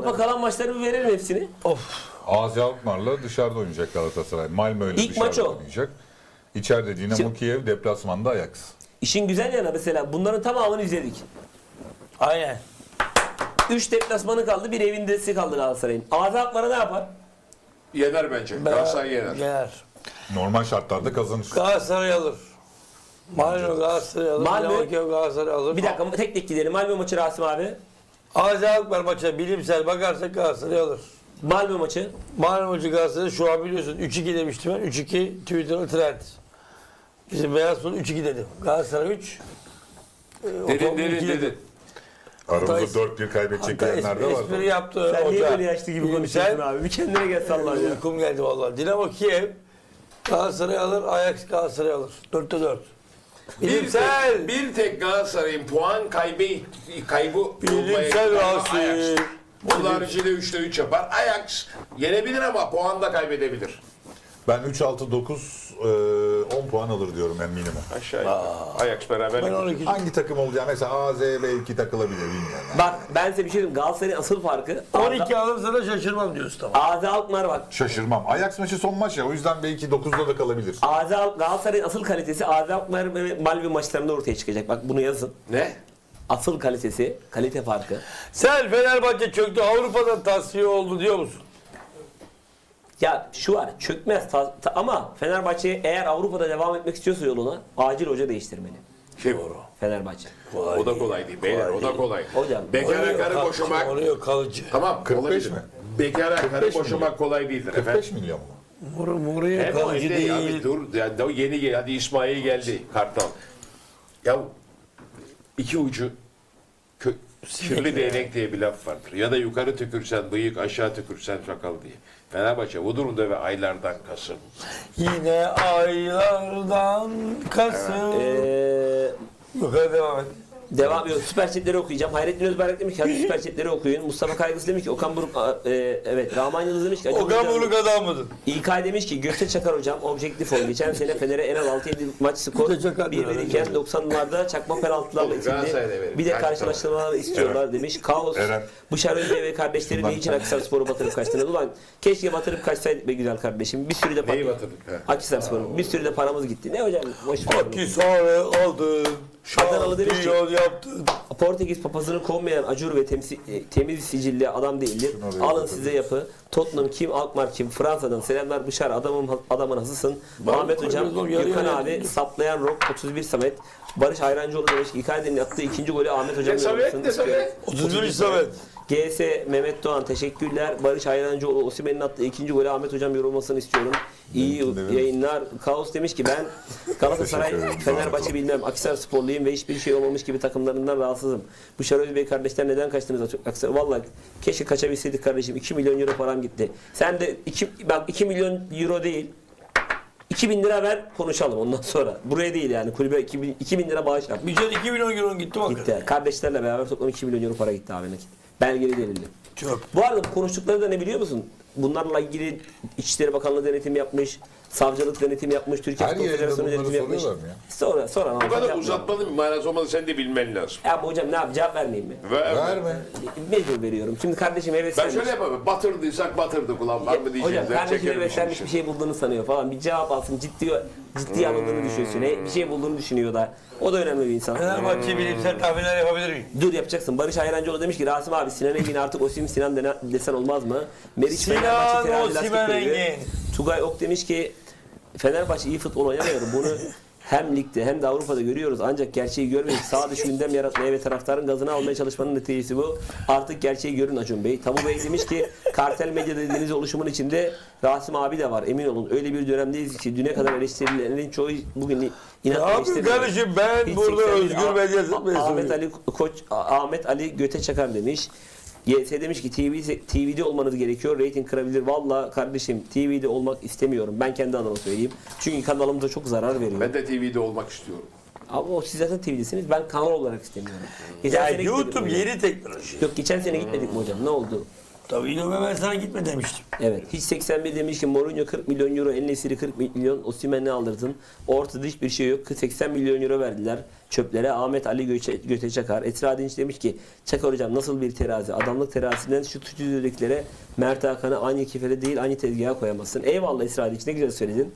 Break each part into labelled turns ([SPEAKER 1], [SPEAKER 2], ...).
[SPEAKER 1] Avrupa kalan maçları bir verelim hepsini.
[SPEAKER 2] AZ Alkmaar'la dışarıda oynayacak Galatasaray. Malmö ile
[SPEAKER 1] İlk maç
[SPEAKER 2] dışarıda
[SPEAKER 1] o.
[SPEAKER 2] oynayacak. İçeride Dinamo
[SPEAKER 1] Şimdi-
[SPEAKER 2] Kiev, deplasmanda Ajax.
[SPEAKER 1] İşin güzel yanı mesela bunların tamamını izledik.
[SPEAKER 3] Aynen.
[SPEAKER 1] 3 deplasmanı kaldı, bir evindesi kaldı Galatasaray'ın. AZ Alkmaar'a ne yapar?
[SPEAKER 4] Yener bence. Galatasaray yener.
[SPEAKER 3] Yener.
[SPEAKER 2] Normal şartlarda kazanır.
[SPEAKER 3] Galatasaray alır. Malmö Galatasaray alır.
[SPEAKER 1] Malmö-
[SPEAKER 3] Dinamo Kiev Galatasaray alır.
[SPEAKER 1] Bir dakika tek tek gidelim. Malmö maçı Rasim abi.
[SPEAKER 3] AZ Alkmaar maçına bilimsel bakarsak Galatasaray alır.
[SPEAKER 1] Malmö maçı.
[SPEAKER 3] Malmö maçı Galatasaray şu an biliyorsun 3-2 demiştim ben. 3-2 Twitter'da trend. Bizim Beyaz Futbol 3-2 dedim. Galatasaray 3.
[SPEAKER 4] Dedin.
[SPEAKER 2] Aramızda 4-1 kaybedecek diyenler de var.
[SPEAKER 3] Espri yaptı
[SPEAKER 1] Sen niye
[SPEAKER 3] hoca.
[SPEAKER 1] böyle yaşlı gibi konuşuyorsun abi? Bir kendine gel sallar ya.
[SPEAKER 3] Uykum geldi vallahi. Dinamo Kiev Galatasaray alır, Ajax Galatasaray alır. 4'te 4. Bilimsel.
[SPEAKER 4] Bir tek Galatasaray'ın puan kaybı olmaya
[SPEAKER 3] Bilimsel
[SPEAKER 4] ihtimali
[SPEAKER 3] Rasim.
[SPEAKER 4] Ajax. Bunun haricinde 3'te 3 yapar. Ajax yenebilir ama puan da kaybedebilir.
[SPEAKER 2] Ben 3-6-9 10 puan alır diyorum en minimum.
[SPEAKER 4] Aşağı yukarı. Ajax beraber.
[SPEAKER 3] Ben 12.
[SPEAKER 2] Hangi takım olacağı mesela AZ belki takılabilir bilmiyorum. Yani.
[SPEAKER 1] Bak ben size bir şey diyeyim. Galatasaray'ın asıl farkı
[SPEAKER 3] 12 alırsa da şaşırmam diyorsun tamam.
[SPEAKER 1] AZ Alkmaar bak.
[SPEAKER 2] Şaşırmam. Ajax maçı son maç ya o yüzden belki 9'da da kalabilir.
[SPEAKER 1] Galatasaray'ın asıl kalitesi AZ Alkmaar ve Malmö maçlarında ortaya çıkacak. Bak bunu yazın.
[SPEAKER 4] Ne?
[SPEAKER 1] Asıl kalitesi, kalite farkı.
[SPEAKER 3] Sen Fenerbahçe çöktü Avrupa'dan tasfiye oldu diyor musun?
[SPEAKER 1] Ya şu var, çökmez ama Fenerbahçe eğer Avrupa'da devam etmek istiyorsa yoluna acil hoca değiştirmeli.
[SPEAKER 4] Doğru.
[SPEAKER 1] Fenerbahçe.
[SPEAKER 4] O da kolay değil beyler. O da kolay.
[SPEAKER 1] Hocam,
[SPEAKER 4] Bekara karı boşamak.
[SPEAKER 3] Oluyor kalıcı.
[SPEAKER 4] Tamam.
[SPEAKER 2] 45
[SPEAKER 4] olabilir.
[SPEAKER 2] mi?
[SPEAKER 4] Bekara karı
[SPEAKER 2] 45
[SPEAKER 4] boşamak kolay değildir
[SPEAKER 2] 45
[SPEAKER 4] efendim.
[SPEAKER 2] milyon mu?
[SPEAKER 3] Mourinho
[SPEAKER 4] Hem o
[SPEAKER 3] kalıcı
[SPEAKER 4] değil. Abi
[SPEAKER 3] değil.
[SPEAKER 4] dur. Yani o yeni gel. Hadi İsmail geldi. Kartal. Ya iki ucu kirli değnek diye bir laf vardır. Ya da yukarı tükürsen bıyık, aşağı tükürsen sakal diye. Fenerbahçe bu durumda ve aylardan Kasım.
[SPEAKER 3] Yine aylardan Kasım. Yukarı devam et.
[SPEAKER 1] Devam ediyor. Süper chatleri okuyacağım. Hayrettin Özberk demiş ki hadi süper chatleri okuyun. Mustafa Kaygısı demiş ki Okan Buruk evet. Rahman Yıldız demiş ki
[SPEAKER 3] Okan Buruk adam mıdır?
[SPEAKER 1] İlkay demiş ki Gökçe Çakar hocam objektif ol. Geçen sene Fener'e en az 6-7 maç skor
[SPEAKER 3] Gökçe Çakar
[SPEAKER 1] 1 iken 90'larda çakma penaltılarla
[SPEAKER 4] Oğlum, Galatasaray'da
[SPEAKER 1] itildi.
[SPEAKER 4] verin.
[SPEAKER 1] Bir de
[SPEAKER 4] Kaç
[SPEAKER 1] karşılaştırmalar istiyorlar demiş. Kaos.
[SPEAKER 2] Eren.
[SPEAKER 1] Bışar Özbey ve kardeşleri
[SPEAKER 2] Şundan
[SPEAKER 1] ne için
[SPEAKER 2] bir
[SPEAKER 1] Akhisarspor'u batırıp kaçtınız? Ulan keşke batırıp kaçsaydık be güzel kardeşim. Bir sürü de
[SPEAKER 4] Neyi batırdık?
[SPEAKER 1] Akhisarspor'un bir sürü de paramız gitti. Ne hocam? Boş ver.
[SPEAKER 3] Akhisar'ı aldın.
[SPEAKER 1] Adanalı demiş ki-
[SPEAKER 3] Şampiyon yaptın.
[SPEAKER 1] Portekiz papazını kovmayan acur ve temiz sicilli adam değildir.
[SPEAKER 2] Şunu
[SPEAKER 1] Alın
[SPEAKER 2] oraya
[SPEAKER 1] size yapı. Tottenham kim, Alkmaar kim, Fransa'dan selamlar Bışar adamın hasısın. Ahmet hocam, Gökhan abi, saplayan Rock 31 Samet. Barış Ayrancıoğlu demiş ki Icardi'nin attığı ikinci golü Ahmet hocam
[SPEAKER 4] Ne Samet, ne Samet?
[SPEAKER 3] 31 Samet.
[SPEAKER 1] GS Mehmet Doğan teşekkürler. Barış Ayrancıoğlu Osimhen'in attığı ikinci golü Ahmet hocam yorulmasını istiyorum. İyi
[SPEAKER 2] Mümkün değil.
[SPEAKER 1] yayınlar. Kaos demiş ki ben Galatasaray,
[SPEAKER 2] Teşekkür ederim.
[SPEAKER 1] Fenerbahçe bilmem Akhisarsporluyum ve hiçbir şey olmamış gibi takımlarından rahatsızım. Bışar Özbey kardeşler neden kaçtınız Akhisar? Vallahi keşke kaçabilseydik kardeşim. 2 milyon euro param gitti. Sen de 2 milyon euro değil 2000 lira ver konuşalım ondan sonra. Buraya değil yani kulübe 2000 lira bağış yap.
[SPEAKER 3] Mücadele 2 milyon euro gitti bak.
[SPEAKER 1] Gitti. Kardeşlerle beraber toplam 2 milyon euro para gitti abi nakit. Belgeli delilli.
[SPEAKER 3] Çok.
[SPEAKER 1] Bu arada bu konuştukları da ne biliyor musun? Bunlarla ilgili İçişleri Bakanlığı denetim yapmış, savcılık denetim yapmış, Türkiye
[SPEAKER 2] Her
[SPEAKER 1] Futbol
[SPEAKER 2] yerinde
[SPEAKER 1] Federasyonu
[SPEAKER 2] bunları
[SPEAKER 1] denetim yapmış.
[SPEAKER 2] soruyorlar mı ya?
[SPEAKER 1] Sonra
[SPEAKER 4] Bu kadar uzatmanın bir manası olmadı. Sen de bilmen lazım.
[SPEAKER 1] Ya bu hocam ne yap cevap vermeyeyim mi?
[SPEAKER 2] Verme.
[SPEAKER 1] Mecbur veriyorum. Şimdi kardeşim
[SPEAKER 4] Ben
[SPEAKER 1] heveslenmiş.
[SPEAKER 4] şöyle yapamam. Batırdıysak batırdık ulan. Var mı diyeceğiz.
[SPEAKER 1] Hocam
[SPEAKER 4] Ben
[SPEAKER 1] kardeşim
[SPEAKER 4] çekerim
[SPEAKER 1] heveslenmiş
[SPEAKER 4] işin
[SPEAKER 1] bir şey bulduğunu sanıyor falan. Bir cevap alsın ciddi alındığını düşünsün. Bir şey bulduğunu düşünüyor da. O da önemli bir insan.
[SPEAKER 3] Fenerbahçe bilimsel tahminler yapabilir miyim?
[SPEAKER 1] Dur yapacaksın. Barış Ayrancıoğlu demiş ki Rasim abi Sinan Engin artık Osim Sinan desen olmaz mı? Meriç
[SPEAKER 3] Sinan
[SPEAKER 1] Fenerbahçe terazi lastik
[SPEAKER 3] Osimhen
[SPEAKER 1] koyuyor.
[SPEAKER 3] Engin.
[SPEAKER 1] Tugay Ok demiş ki Fenerbahçe iyi futbol oynamıyor. Bunu hem ligde hem de Avrupa'da görüyoruz. Ancak gerçeği görmeyip sağ dışı gündem yaratmaya ve taraftarın gazını almaya çalışmanın neticesi bu. Artık gerçeği görün Acun Bey. Tabu Bey demiş ki kartel medya dediğiniz oluşumun içinde Rasim abi de var. Emin olun öyle bir dönemdeyiz ki düne kadar eleştirilerin çoğu bugün inat
[SPEAKER 3] Abi
[SPEAKER 1] eleştiriyor.
[SPEAKER 3] kardeşim ben
[SPEAKER 1] Hiç
[SPEAKER 3] burada
[SPEAKER 1] 81
[SPEAKER 3] özgür medya
[SPEAKER 1] Ahmet Ali Göte Çakar demiş. YS demiş ki TV'de olmanız gerekiyor. Rating kırabilir. Valla kardeşim TV'de olmak istemiyorum. Ben kendi adıma söyleyeyim. Çünkü kanalımıza çok zarar veriyor.
[SPEAKER 4] Ben de TV'de olmak istiyorum.
[SPEAKER 1] Ama o siz zaten TV'desiniz. Ben kanal olarak istemiyorum.
[SPEAKER 3] Ya
[SPEAKER 1] sene
[SPEAKER 3] YouTube
[SPEAKER 1] gitmedik mi
[SPEAKER 3] yeni teknoloji.
[SPEAKER 1] hocam? Yok geçen sene gitmedik mi hocam? Ne oldu?
[SPEAKER 3] Tabii İlome ben sana gitme demiştim.
[SPEAKER 1] Evet. Hiç 81 demiş ki Mourinho 40 milyon euro, El-Nesiri 40 milyon, Osimhen'i aldırdın. Ortada hiçbir şey yok. 80 milyon euro verdiler çöplere. Ahmet Ali Göte Çakar. Esra Dinç demiş ki Çakar hocam nasıl bir terazi? Adamlık terazisinden şu stüdyodakilere Mert Hakan'ı aynı kefede değil aynı tezgaha koyamazsın. Eyvallah Esra Dinç, ne güzel söyledin.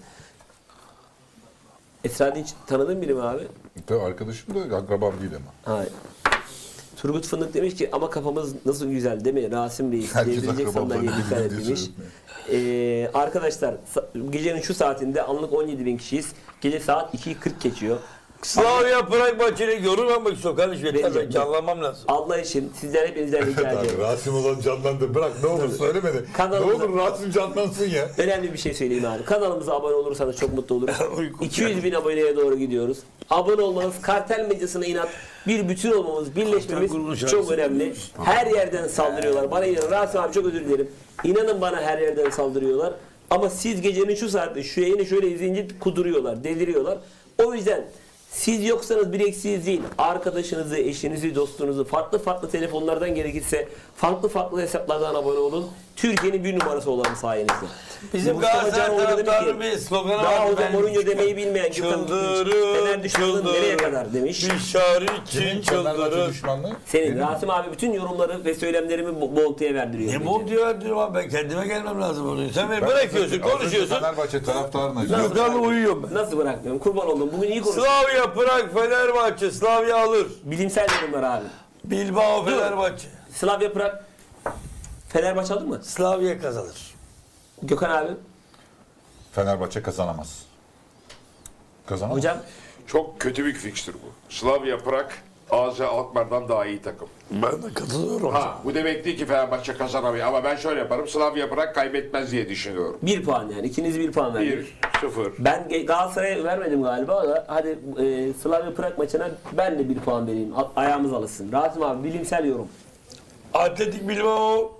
[SPEAKER 1] Esra Dinç tanıdığın biri mi abi?
[SPEAKER 2] Tabii arkadaşım da akrabam değil ama.
[SPEAKER 1] Hayır. Turgut Fındık demiş ki ama kafamız nasıl güzel değil mi? Rasim Reis
[SPEAKER 2] Herkes
[SPEAKER 1] devrilecek
[SPEAKER 2] akrabalarına
[SPEAKER 1] sandalyeye dikkat et
[SPEAKER 2] birbirine
[SPEAKER 1] demiş. Arkadaşlar gecenin şu saatinde anlık 17.000 kişiyiz. Gece saat 2.40 geçiyor.
[SPEAKER 3] Slavia Prag maçıyla yorulmamak istiyor kardeşim. Yeter
[SPEAKER 1] Bence-
[SPEAKER 3] ben canlanmam lazım.
[SPEAKER 1] Allah için sizden hepinizden rica
[SPEAKER 2] Abi,
[SPEAKER 1] ediyorum.
[SPEAKER 2] Rasim olan canlandı. Bırak ne olur söyleme de. Ne
[SPEAKER 1] Kanalımıza-
[SPEAKER 2] olur Rasim canlansın ya.
[SPEAKER 1] Önemli bir şey söyleyeyim abi. Kanalımıza abone olursanız çok mutlu oluruz. 200.000 aboneye doğru gidiyoruz. Abone olmanız, kartel medyasına inat, bir bütün olmamız, birleşmemiz
[SPEAKER 3] grubunun
[SPEAKER 1] çok
[SPEAKER 3] şarkısı.
[SPEAKER 1] önemli. Her yerden saldırıyorlar. Bana inanın. Rasim abi çok özür dilerim. İnanın bana her yerden saldırıyorlar. Ama siz gecenin şu saatte şu yayını şöyle izleyince kuduruyorlar, deliriyorlar. O yüzden siz yoksanız bir eksiğiniz değil. Arkadaşınızı, eşinizi, dostunuzu farklı telefonlardan gerekirse farklı hesaplardan abone olun. Türkiye'nin bir numarası olalım sayenizde.
[SPEAKER 3] Bizim
[SPEAKER 1] Mustafa Can
[SPEAKER 3] Galatasaray
[SPEAKER 1] Hoca demiş ki,
[SPEAKER 3] taraftarının bir sloganı
[SPEAKER 1] daha
[SPEAKER 3] var.
[SPEAKER 1] hocam Mourinho demeyi bilmeyen Gökhan Fener düşmanlığı nereye kadar demiş.
[SPEAKER 3] Dışarı için
[SPEAKER 2] Fenerbahçe
[SPEAKER 3] çıldırır.
[SPEAKER 2] düşmanlığı.
[SPEAKER 1] Senin Rasim abi bütün yorumları ve söylemlerimi Bolta'ya verdiriyor.
[SPEAKER 3] Ne bol diyor diyorum abi ben kendime gelmem lazım onu. Sen beni bırakıyorsun, konuşuyorsun.
[SPEAKER 2] Fenerbahçe taraftarına.
[SPEAKER 3] Gökhan'la uyuyorum ben.
[SPEAKER 1] Nasıl bırakmıyorum? Kurban oldum. Bugün iyi konuştuk.
[SPEAKER 3] Slavia Prag Fenerbahçe. Slavia alır.
[SPEAKER 1] Bilimsel yorumlar abi.
[SPEAKER 3] Bilbao Fenerbahçe.
[SPEAKER 1] Slavia Prag Fenerbahçe alır mı?
[SPEAKER 3] Slavia kazanır.
[SPEAKER 1] Gökhan abi.
[SPEAKER 2] Fenerbahçe kazanamaz. Kazanamaz.
[SPEAKER 1] Hocam
[SPEAKER 4] Çok kötü bir fikstür bu. Slavia Prag, AZ Alkmaar'dan daha iyi takım.
[SPEAKER 3] Ben de katılıyorum.
[SPEAKER 4] Ha, bu demek değil ki Fenerbahçe kazanamıyor. Ama ben şöyle yaparım. Slavia Prag kaybetmez diye düşünüyorum.
[SPEAKER 1] 1 puan yani. İkiniz 1 puan verdiniz.
[SPEAKER 4] 1-0.
[SPEAKER 1] Ben Galatasaray'a vermedim galiba da hadi Slavia Prag maçına ben de 1 puan vereyim. Ayağımız alışsın. Rasim abi bilimsel yorum.
[SPEAKER 3] Atletik Bilbao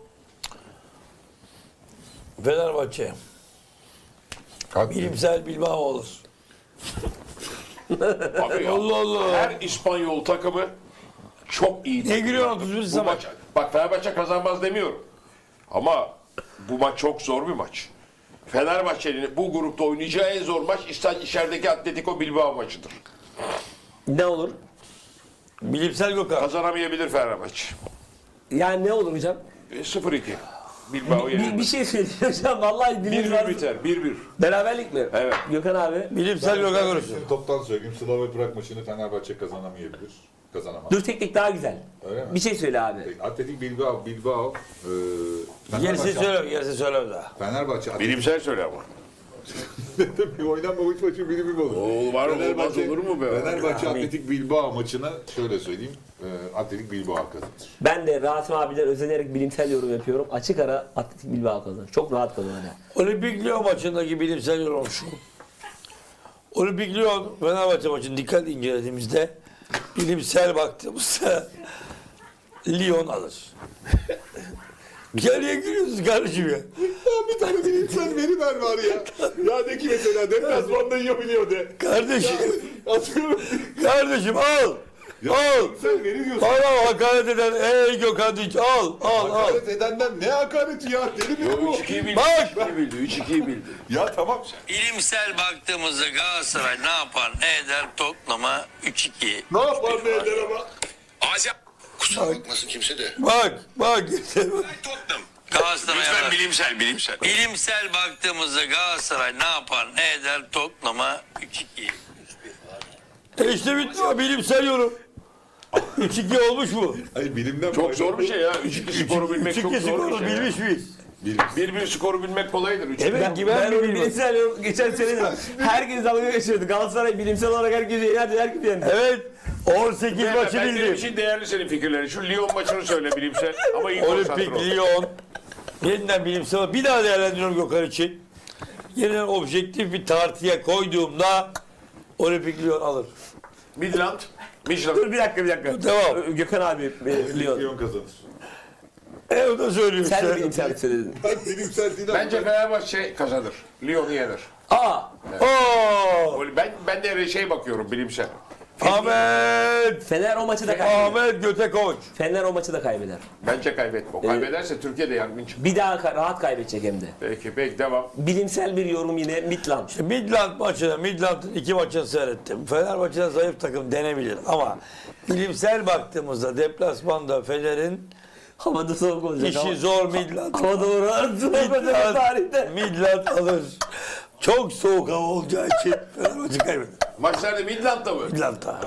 [SPEAKER 3] Fenerbahçe.
[SPEAKER 2] Abi,
[SPEAKER 3] Bilimsel Bilbao olur.
[SPEAKER 4] Abi ya,
[SPEAKER 3] Allah Allah.
[SPEAKER 4] her İspanyol takımı çok iyi.
[SPEAKER 3] Ne
[SPEAKER 4] takımlar.
[SPEAKER 3] gülüyorsun 31
[SPEAKER 4] Bu
[SPEAKER 3] zaman?
[SPEAKER 4] maç, bak Fenerbahçe kazanmaz demiyorum. Ama bu maç çok zor bir maç. Fenerbahçe'nin bu grupta oynayacağı en zor maç içerideki Atletico Bilbao maçıdır.
[SPEAKER 1] Ne olur?
[SPEAKER 3] Bilimsel Gökhan.
[SPEAKER 4] Kazanamayabilir Fenerbahçe.
[SPEAKER 1] Yani ne olur hocam?
[SPEAKER 4] 0-2. Bilbao
[SPEAKER 1] Bir
[SPEAKER 4] yenilmez.
[SPEAKER 1] şey söyleyeyim hocam. Vallahi bilim
[SPEAKER 4] 1-1 biter. 1-1.
[SPEAKER 1] Beraberlik mi?
[SPEAKER 4] Evet.
[SPEAKER 1] Gökhan abi.
[SPEAKER 3] Bilimsel Gökhan konuşuyor.
[SPEAKER 2] Şimdi toptan söyleyeyim. Slavia Prag maçını Fenerbahçe kazanamayabilir. Kazanamaz.
[SPEAKER 1] Dur teknik daha güzel.
[SPEAKER 2] Öyle mi?
[SPEAKER 1] Bir şey söyle abi.
[SPEAKER 2] Atletik Bilbao.
[SPEAKER 3] Gerisi söyleme, gerisi söyleme daha.
[SPEAKER 2] Fenerbahçe. Atletik
[SPEAKER 4] Bilimsel söyle ama.
[SPEAKER 2] bir oynanmamış maçı bilimim olur.
[SPEAKER 4] Oo, var olmaz olur mu be?
[SPEAKER 2] Fenerbahçe Atletik Bilbao maçına şöyle söyleyeyim. Atletik Bilbao kazanır.
[SPEAKER 1] Ben de Rasim abiden özenerek bilimsel yorum yapıyorum. Açık ara Atletik Bilbao kazanır. Çok rahat kazanır.
[SPEAKER 3] Olimpik Lyon maçındaki bilimsel yorum şu. Olimpik Lyon Fenerbahçe maçını dikkat incelediğimizde bilimsel baktığımızda Lyon alır. Geriye giriyorsunuz kardeşim ya.
[SPEAKER 2] Bir tane bilimsel veri ver var ya. Ya de ki mesela deplasmanda yiyebiliyor de.
[SPEAKER 3] Kardeşim,
[SPEAKER 2] Atıyorum.
[SPEAKER 3] kardeşim al. Al.
[SPEAKER 2] Sen veri diyorsun.
[SPEAKER 3] Bana hakaret eden ey Gökhan Dinç al.
[SPEAKER 2] Hakaret edenden ne hakareti ya? Deli mi bu?
[SPEAKER 4] 3-2'yi bildi.
[SPEAKER 3] Bak.
[SPEAKER 4] 3-2'yi bildi. 3-2'yi bildi.
[SPEAKER 2] Ya tamam.
[SPEAKER 5] İlimsel baktığımızda Galatasaray ne yapar ne eder Tottenham'a 3-2.
[SPEAKER 2] Ne yapar ne eder ama?
[SPEAKER 5] Azia kusura bakmasın kimse de.
[SPEAKER 3] Bak.
[SPEAKER 5] Tottenham. Galatasaray
[SPEAKER 4] Lütfen bilimsel.
[SPEAKER 5] bilimsel baktığımızda Galatasaray ne yapar ne eder Tottenham'a 3-2.
[SPEAKER 3] İşte bitti o bilimsel yorum. 3-2 olmuş mu?
[SPEAKER 2] Hayır bilimden
[SPEAKER 4] Çok zor bir şey ya. 3-2 skoru bilmek çok
[SPEAKER 3] 3-2
[SPEAKER 4] zor bir
[SPEAKER 3] skoru
[SPEAKER 4] şey.
[SPEAKER 3] bilmiş miyiz?
[SPEAKER 4] 1-1 skoru bilmek kolaydır. 3-2.
[SPEAKER 3] Evet ki ben mi
[SPEAKER 1] onu
[SPEAKER 3] bilmem?
[SPEAKER 1] bilimsel yorum geçen söyledim. Herkes dalga geçiyordu. Galatasaray bilimsel olarak herkesi yenerdi. Herkes yendi.
[SPEAKER 3] Evet. 18 maçı
[SPEAKER 4] Ben benim
[SPEAKER 3] bildim.
[SPEAKER 4] için değerli senin fikirlerin. Şu Lyon maçını söyle bilimsel. Ama iyi konsantre
[SPEAKER 3] Olimpik
[SPEAKER 4] ol.
[SPEAKER 3] Lyon. Yeniden bilimsel. Bir daha değerlendiriyorum Gökhan için. Yeniden objektif bir tartıya koyduğumda Olimpik Lyon alır.
[SPEAKER 4] Midland.
[SPEAKER 1] Dur bir dakika.
[SPEAKER 3] Devam.
[SPEAKER 1] Gökhan abi Lyon.
[SPEAKER 2] Lyon kazanır.
[SPEAKER 3] O da söylüyor
[SPEAKER 1] Sen de
[SPEAKER 3] işte.
[SPEAKER 1] bilimsel söyledin.
[SPEAKER 2] Ben bilimsel değil
[SPEAKER 4] Bence Fenerbahçe kazanır. Lyon'u yener.
[SPEAKER 1] Aa!
[SPEAKER 3] Oo!
[SPEAKER 4] Ben de şey bakıyorum bilimsel.
[SPEAKER 3] Ahmet.
[SPEAKER 1] Fener o maçı da kaybeder.
[SPEAKER 3] Ahmet Götekoç.
[SPEAKER 1] Fener o maçı da kaybeder.
[SPEAKER 4] Bence kaybetme. O kaybederse Türkiye'de yangın çıkar.
[SPEAKER 1] Bir daha rahat kaybedecek hem de.
[SPEAKER 4] Peki devam.
[SPEAKER 1] Bilimsel bir yorum yine Midland.
[SPEAKER 3] Midland maçını, Midland'ın 2 maçını seyrettim. Fenerbahçe'de zayıf takım denebilir ama bilimsel baktığımızda deplasmanda Fener'in
[SPEAKER 1] Havada soğuk olacak.
[SPEAKER 3] işi zor Midland.
[SPEAKER 1] Hava doğru soğuk olacak tarihte.
[SPEAKER 3] Midland alır. Çok soğuk hava olacağı için Fenerbahçe kaybeder.
[SPEAKER 4] Maçlarda Midland'da mı?
[SPEAKER 3] Midland'da.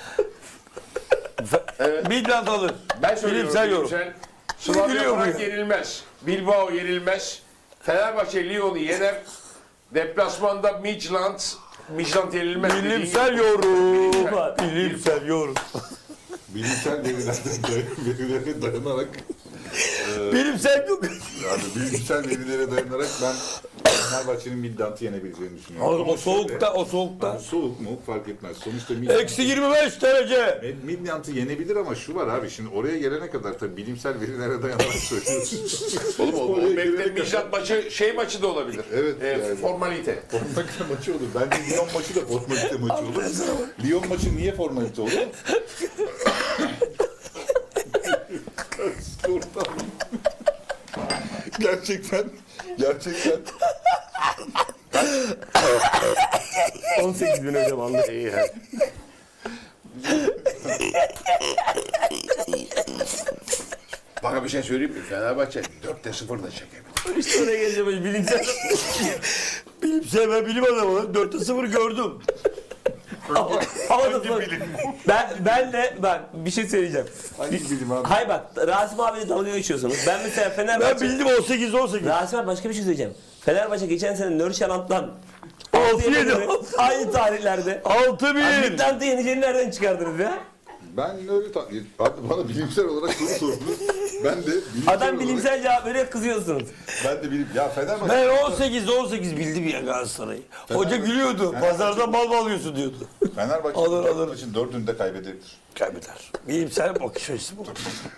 [SPEAKER 3] Midland alır.
[SPEAKER 4] Ben söylüyorum.
[SPEAKER 3] Bilimsel yorum.
[SPEAKER 4] Slavia
[SPEAKER 3] Gülüyor
[SPEAKER 4] Prag
[SPEAKER 3] bu ya.
[SPEAKER 4] yenilmez. Bilbao yenilmez. Fenerbahçe Lyon'u yener. Deplasmanda Midland yenilmez.
[SPEAKER 3] Bilimsel yorum. Bilimsel yorum.
[SPEAKER 2] Bilimsel verilere dayanarak
[SPEAKER 3] Bilimsel yok.
[SPEAKER 2] yani bilimsel verilere dayanarak ben Fenerbahçe'nin Midland'ı yenebileceğini düşünüyorum.
[SPEAKER 3] O soğukta, o soğukta.
[SPEAKER 2] Yani soğuk mu fark etmez. Sonuçta Midland,
[SPEAKER 3] Eksi 25 derece.
[SPEAKER 2] Midland'ı yenebilir ama şu var abi şimdi oraya gelene kadar tabii bilimsel verilere dayanarak söylüyorsun.
[SPEAKER 4] Oğlum o
[SPEAKER 2] Oraya
[SPEAKER 4] bekle
[SPEAKER 2] gelene kadar-
[SPEAKER 4] Midland maçı maçı da olabilir.
[SPEAKER 2] Evet, yani.
[SPEAKER 4] Formalite.
[SPEAKER 2] Formalite maçı olur. Bence Lyon maçı da formalite maçı olur. Lyon maçı niye formalite olur? gerçekten
[SPEAKER 1] 18 bin hocam anladım.
[SPEAKER 4] İyi hadi. Bana bir şey söyleyeyim mi? Fenerbahçe 4'te 0 da çekebilir.
[SPEAKER 1] İşte oraya geleceğim hocam. Bilimsel.
[SPEAKER 3] Bilimsel ben bilim adamı. 4'te 0 gördüm.
[SPEAKER 1] Havada soğuk. Ben bir şey söyleyeceğim.
[SPEAKER 2] hangi bilim abi?
[SPEAKER 1] Hay bak Rasim abiyle dalga geçiyorsunuz. Ben mesela
[SPEAKER 3] Ben
[SPEAKER 1] Fenerbahçe...
[SPEAKER 3] bildim 18-18.
[SPEAKER 1] Rasim abi başka bir şey söyleyeceğim. Fenerbahçe geçen sene Nörşaland'dan
[SPEAKER 3] 6-7.
[SPEAKER 1] aynı tarihlerde.
[SPEAKER 3] 6-1.
[SPEAKER 1] Midland'ı yeneceğini nereden çıkardınız ya?
[SPEAKER 2] Ben öyle abi bana bilimsel olarak soru sordunuz. Ben de bilimsel
[SPEAKER 1] Adam
[SPEAKER 2] olarak,
[SPEAKER 1] bilimsel cevap veriyor kızıyorsunuz.
[SPEAKER 2] ben de ya Fenerbahçe
[SPEAKER 3] Ben 18-18 bildim ya Galatasaray'ı. Hoca gülüyordu. Pazardan mal mı alıyorsun diyordu.
[SPEAKER 2] Fenerbahçe
[SPEAKER 3] Alır.
[SPEAKER 2] maçın 4'ünü de kaybedebilir.
[SPEAKER 3] Kaybeder. Bilimsel bakış açısı bu.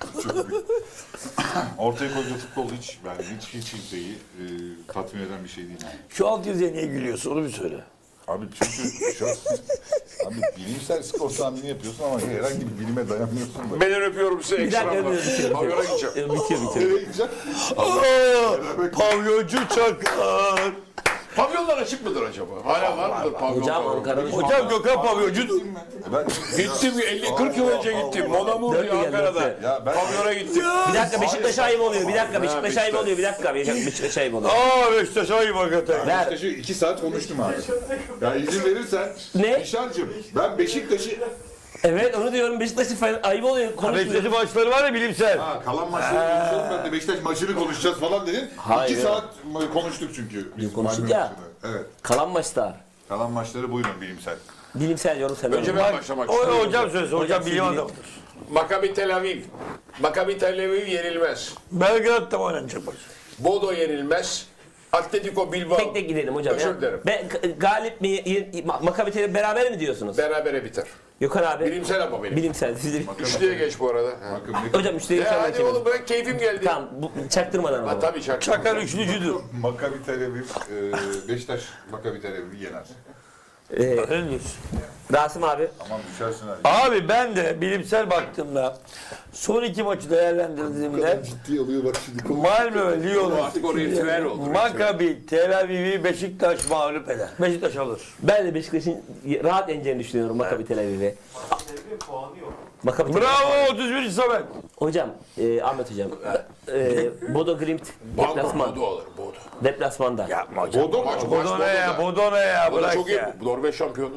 [SPEAKER 2] Ortaya koyduğu futbol hiç kimseyi tatmin eden bir şey değil. Yani.
[SPEAKER 3] Şu alt yazıya niye gülüyorsun onu bir söyle.
[SPEAKER 2] Abi çünkü abi bilimsel skor tahmini yapıyorsun ama herhangi bir bilime dayanmıyorsun da.
[SPEAKER 4] Ben öpüyorum size
[SPEAKER 1] Bir dakika
[SPEAKER 4] ekstramla.
[SPEAKER 1] bitiyor.
[SPEAKER 4] Pavyona gideceğim.
[SPEAKER 1] Bitiyor.
[SPEAKER 2] Nereye gideceksin?
[SPEAKER 3] Pavyoncu çakar.
[SPEAKER 4] Pavyonlar açık mıdır acaba? Hala var mıdır pavyon?
[SPEAKER 1] Hocam
[SPEAKER 4] pavyon?
[SPEAKER 1] Ankara'nın
[SPEAKER 3] Hocam Gökhan pavyoncu.
[SPEAKER 2] Ben
[SPEAKER 4] Gittim 50-40 yıl önce gittim. Monamur
[SPEAKER 1] Dört
[SPEAKER 4] diye
[SPEAKER 1] yıl,
[SPEAKER 4] Ankara'da.
[SPEAKER 1] dört
[SPEAKER 2] Ya ben-
[SPEAKER 4] Pavyona gittim.
[SPEAKER 1] Bir dakika Beşiktaş ayıp oluyor. Bir dakika Beşiktaş ayıp oluyor. Bir dakika Beşiktaş ayıp oluyor.
[SPEAKER 3] Beşiktaş ayıp hakikaten.
[SPEAKER 1] Ver.
[SPEAKER 2] Beşiktaş'ı 2 saat konuştum abi. Ya izin verirsen
[SPEAKER 1] Ne?
[SPEAKER 2] Nişancığım ben Beşiktaş'ı
[SPEAKER 1] Evet onu diyorum Beşiktaş'ı ayıp oluyor. Konuşmuyor.
[SPEAKER 3] Beşiktaş'ın maçları var ya bilimsel.
[SPEAKER 2] kalan maçları konuşalım ben de Beşiktaş maçını konuşacağız falan dedin.
[SPEAKER 1] Hayır.
[SPEAKER 2] 2 saat konuştuk çünkü. Biz
[SPEAKER 1] konuştuk
[SPEAKER 2] Malmö
[SPEAKER 1] ya.
[SPEAKER 2] maçını. Evet.
[SPEAKER 1] Kalan maçlar.
[SPEAKER 2] Kalan maçları buyurun bilimsel.
[SPEAKER 1] Bilimsel yorum sen.
[SPEAKER 4] Önce ben başlamak istiyorum.
[SPEAKER 3] Hocam söylesin. Hocam bilim
[SPEAKER 1] siz
[SPEAKER 3] adamıdır.
[SPEAKER 4] Maccabi Tel Aviv. Maccabi Tel Aviv yenilmez.
[SPEAKER 3] Belgrad'da mı oynanacak maç?
[SPEAKER 4] Bodo yenilmez. Atletico Bilbao.
[SPEAKER 1] Tek tek gidelim hocam.
[SPEAKER 4] Özür
[SPEAKER 1] ya.
[SPEAKER 4] dilerim.
[SPEAKER 1] Galip mi? Maccabi Tel Aviv beraber mi diyorsunuz?
[SPEAKER 4] Berabere biter.
[SPEAKER 1] Gökhan abi.
[SPEAKER 4] Bilimsel ama benim.
[SPEAKER 1] Bilimsel. Siz de...
[SPEAKER 4] Üçlüye geç bu arada.
[SPEAKER 2] Bakın ne
[SPEAKER 1] Hocam üçte
[SPEAKER 4] Ya hadi oğlum bırak keyfim geldi.
[SPEAKER 1] Tamam çaktırmadan
[SPEAKER 4] Ha
[SPEAKER 1] ama.
[SPEAKER 4] tabii şarkı.
[SPEAKER 3] Çakar üçlücüdür.
[SPEAKER 2] Maccabi Tel Aviv, Beşiktaş Maccabi Tel Aviv'i yener.
[SPEAKER 3] Öyle diyorsun.
[SPEAKER 1] Rasim abi.
[SPEAKER 2] Aman düşersin abi.
[SPEAKER 3] Abi ben de bilimsel baktığımda son 2 maçı değerlendirdiğimde
[SPEAKER 2] Ciddi alıyor bak şimdi.
[SPEAKER 3] Malmö, Lyon,
[SPEAKER 4] Artık o ritüel oldu.
[SPEAKER 3] Maccabi, Tel Aviv'i Beşiktaş mağlup eder. Beşiktaş alır.
[SPEAKER 1] Ben de Beşiktaş'ın rahat yeneceğini düşünüyorum Maccabi Tel Aviv'e. Maccabi Tel Aviv.
[SPEAKER 3] Bravo 31. Samet.
[SPEAKER 1] Hocam, Ahmet hocam. Bodo Glimt deplasman.
[SPEAKER 4] Bodo alır. Bodo.
[SPEAKER 1] Deplasmanda.
[SPEAKER 3] Yapma hocam.
[SPEAKER 2] Bodo
[SPEAKER 4] Maç
[SPEAKER 3] Bodo ne ya?
[SPEAKER 4] Bodo'da.
[SPEAKER 3] Bodo ne ya?
[SPEAKER 4] Bodo
[SPEAKER 3] Bırak
[SPEAKER 4] çok iyi.
[SPEAKER 3] ya.
[SPEAKER 4] Norveç şampiyonu.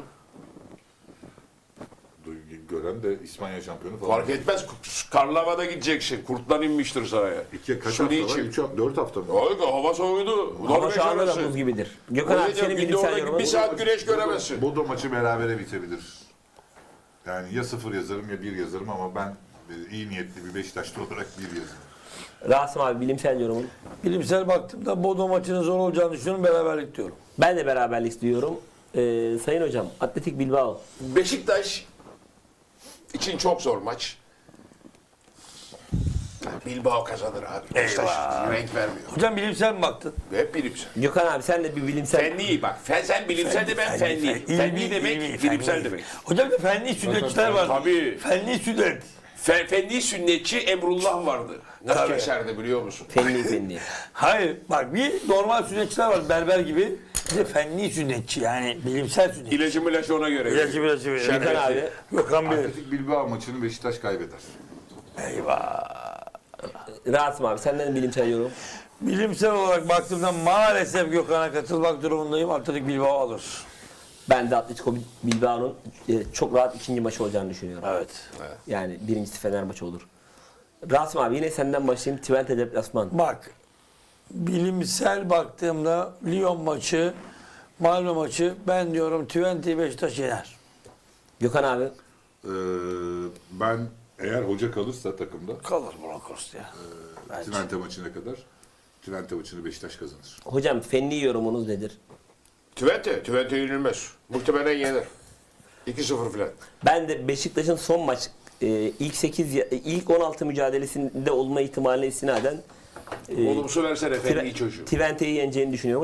[SPEAKER 2] Gören de İspanya şampiyonu falan.
[SPEAKER 4] Fark etmez. Karlava'da gideceksin. Kurtlar inmiştir sahaya.
[SPEAKER 2] Kaç
[SPEAKER 4] Suni
[SPEAKER 2] hafta var?
[SPEAKER 4] içim.
[SPEAKER 2] 4 hafta mı?
[SPEAKER 4] Oy, hava soğudu.
[SPEAKER 1] Ama
[SPEAKER 4] Norveç
[SPEAKER 1] şu anda da
[SPEAKER 4] arası.
[SPEAKER 1] buz gibidir. Gökhan abi senin
[SPEAKER 4] Günde
[SPEAKER 1] bilimsel
[SPEAKER 4] orada
[SPEAKER 1] yorumun.
[SPEAKER 4] bir saat güneş göremezsin.
[SPEAKER 2] Bodo maçı berabere bitebilir. Yani ya 0 yazarım ya 1 yazarım ama ben iyi niyetli bir Beşiktaşlı olarak 1 yazarım.
[SPEAKER 1] Rasim abi bilimsel yorumun.
[SPEAKER 3] Bilimsel baktığımda Bodo maçının zor olacağını düşünüyorum. Beraberlik diyorum.
[SPEAKER 1] Ben de beraberlik diyorum. Sayın hocam, Atletik Bilbao.
[SPEAKER 4] Beşiktaş için çok zor maç. Bilbao kazanır abi. Beşiktaş renk vermiyor.
[SPEAKER 3] Hocam bilimsel mi baktın?
[SPEAKER 4] Hep bilimsel.
[SPEAKER 1] Gökhan abi sen de bir bilimsel...
[SPEAKER 4] Fenli bak. Sen bilimsel de ben fenli. Fenli demek bilimsel demek.
[SPEAKER 3] Hocam da fenli sünnetçiler var.
[SPEAKER 4] Tabii.
[SPEAKER 3] Fenli sünnet.
[SPEAKER 4] Fenli sünnetçi Emrullah vardı. Nasıl
[SPEAKER 3] Tabii.
[SPEAKER 4] keserdi biliyor musun?
[SPEAKER 1] Fenli.
[SPEAKER 3] Hayır bak bir normal sünnetçiler var berber gibi. Bir de fenli sünnetçi yani bilimsel sünnetçi.
[SPEAKER 4] İlacı ona göre.
[SPEAKER 3] İlacı
[SPEAKER 1] Gökhan abi.
[SPEAKER 3] Gökhan Bey.
[SPEAKER 2] Atletik Bilbao maçını Beşiktaş kaybeder.
[SPEAKER 3] Eyvah.
[SPEAKER 1] Rahatım abi senden bilimsel yorum.
[SPEAKER 3] Bilimsel olarak baktığımda maalesef Gökhan'a katılmak durumundayım. Atletik Bilbao alır.
[SPEAKER 1] Ben de Atletico Bilbao'nun çok rahat ikinci maçı olacağını düşünüyorum.
[SPEAKER 3] Evet.
[SPEAKER 1] Yani birincisi Fenerbahçe olur. Rasim abi yine senden başlayayım. Twente deplasman.
[SPEAKER 3] Bak bilimsel baktığımda Lyon maçı, Malmö maçı ben diyorum Twente Beşiktaş yener.
[SPEAKER 1] Gökhan abi.
[SPEAKER 2] Ben eğer hoca kalırsa takımda
[SPEAKER 3] Kalır Broncos ya. Bence.
[SPEAKER 2] Twente maçına kadar Twente maçını Beşiktaş kazanır.
[SPEAKER 1] Hocam fenli yorumunuz nedir?
[SPEAKER 4] Twente yenilmez. Muhtemelen yener. 2-0 falan.
[SPEAKER 1] Ben de Beşiktaş'ın son maç ilk 16 mücadelesinde olma ihtimaline istinaden
[SPEAKER 4] Olumsuz versene Fenli çocuğu.
[SPEAKER 1] Twente'yi yeneceğini düşünüyorum.